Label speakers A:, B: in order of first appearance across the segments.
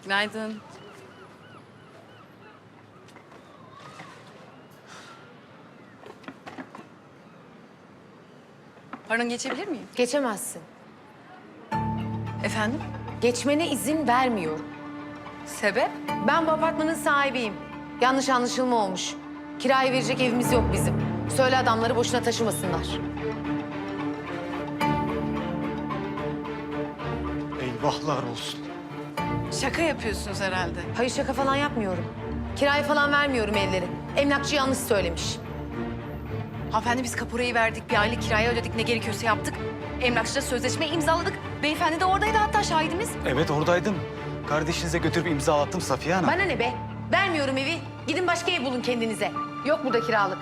A: Günaydın. Pardon, geçebilir miyim?
B: Geçemezsin.
A: Efendim?
B: Geçmene izin vermiyorum.
A: Sebep?
B: Ben bu apartmanın sahibiyim. Yanlış anlaşılma olmuş. Kiraya verecek evimiz yok bizim. Söyle adamları boşuna taşımasınlar.
C: Eyvahlar olsun.
A: Şaka yapıyorsunuz herhalde.
B: Hayır, şaka falan yapmıyorum. Kiraya falan vermiyorum evleri. Emlakçı yanlış söylemiş.
A: Hanımefendi, biz kaporayı verdik, bir aylık kiraya ödedik, ne gerekiyorsa yaptık. Emlakçıyla sözleşmeyi imzaladık. Beyefendi de oradaydı, hatta şahidimiz.
C: Evet oradaydım. Kardeşinize götürüp imzalattım Safiye Hanım.
B: Bana ne be? Vermiyorum evi. Gidin başka ev bulun kendinize. Yok burada kiralık.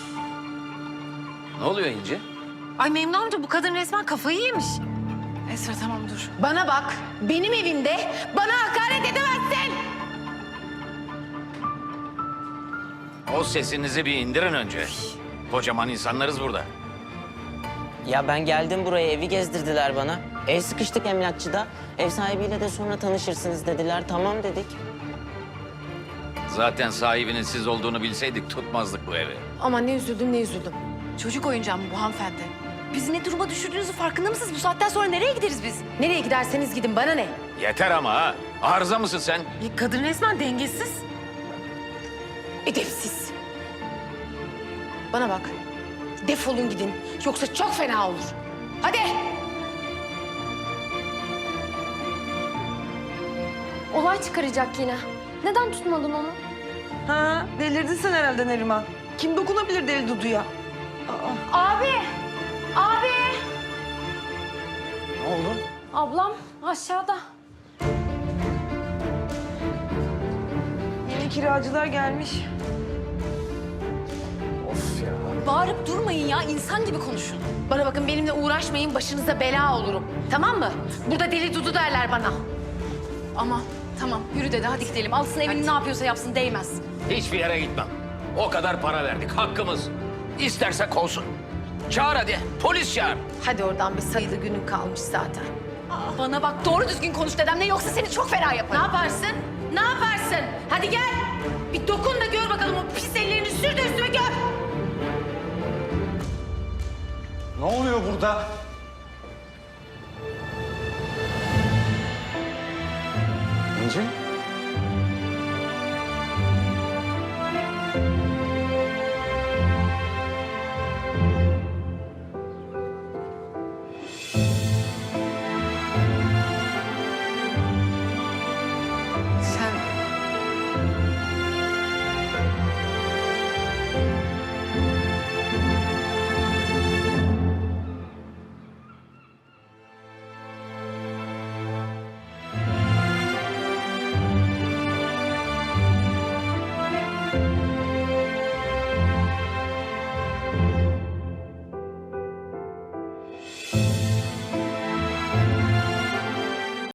D: Ne oluyor İnci?
B: Ay Memnun amca, bu kadın resmen kafayı yemiş.
A: Esra tamam dur.
B: Bana bak, benim evimde bana hakaret edemezsin.
D: O sesinizi bir indirin önce. Kocaman insanlarız burada.
E: Ya ben geldim buraya, evi gezdirdiler bana. El sıkıştık emlakçıda. Ev sahibiyle de sonra tanışırsınız dediler. Tamam dedik.
D: Zaten sahibinin siz olduğunu bilseydik tutmazdık bu evi.
B: Aman ne üzüldüm, ne üzüldüm.
A: Çocuk oyuncağı mı bu hanımefendi? Bizi ne duruma düşürdüğünüzün farkında mısınız? Bu saatten sonra nereye gideriz biz?
B: Nereye giderseniz gidin, bana ne?
D: Yeter ama ha. Arıza mısın sen?
B: Kadın resmen dengesiz. Edepsiz. Bana bak, defolun gidin. Yoksa çok fena olur. Hadi.
F: Olay çıkaracak yine. Neden tutmadın onu?
G: Ha, delirdin sen herhalde Neriman. Kim dokunabilir deli Dudu'ya?
F: Abi! Abi!
C: Ne oldu?
F: Ablam aşağıda.
G: Yeni kiracılar gelmiş.
C: Of ya.
A: Bağırıp durmayın ya, insan gibi konuşun.
B: Bana bakın, benimle uğraşmayın, başınıza bela olurum. Tamam mı? Burada deli Dudu derler bana.
A: Ama tamam, yürü dede, hadi gidelim. Alsın evini, ne yapıyorsa yapsın, değmez.
D: Hiçbir yere gitmem. O kadar para verdik, hakkımız. İsterse kovsun. Çağır hadi, polis çağır.
B: Hadi oradan, bir sayılı günün kalmış zaten.
A: Bana bak, doğru düzgün konuş dedemle, yoksa seni çok fena
B: Ne
A: yaparım.
B: yaparsın? Ne yaparsın? Hadi gel. Bir dokun da gör bakalım, o pis ellerini sür de üstüme gör.
C: Ne oluyor burada? İnci?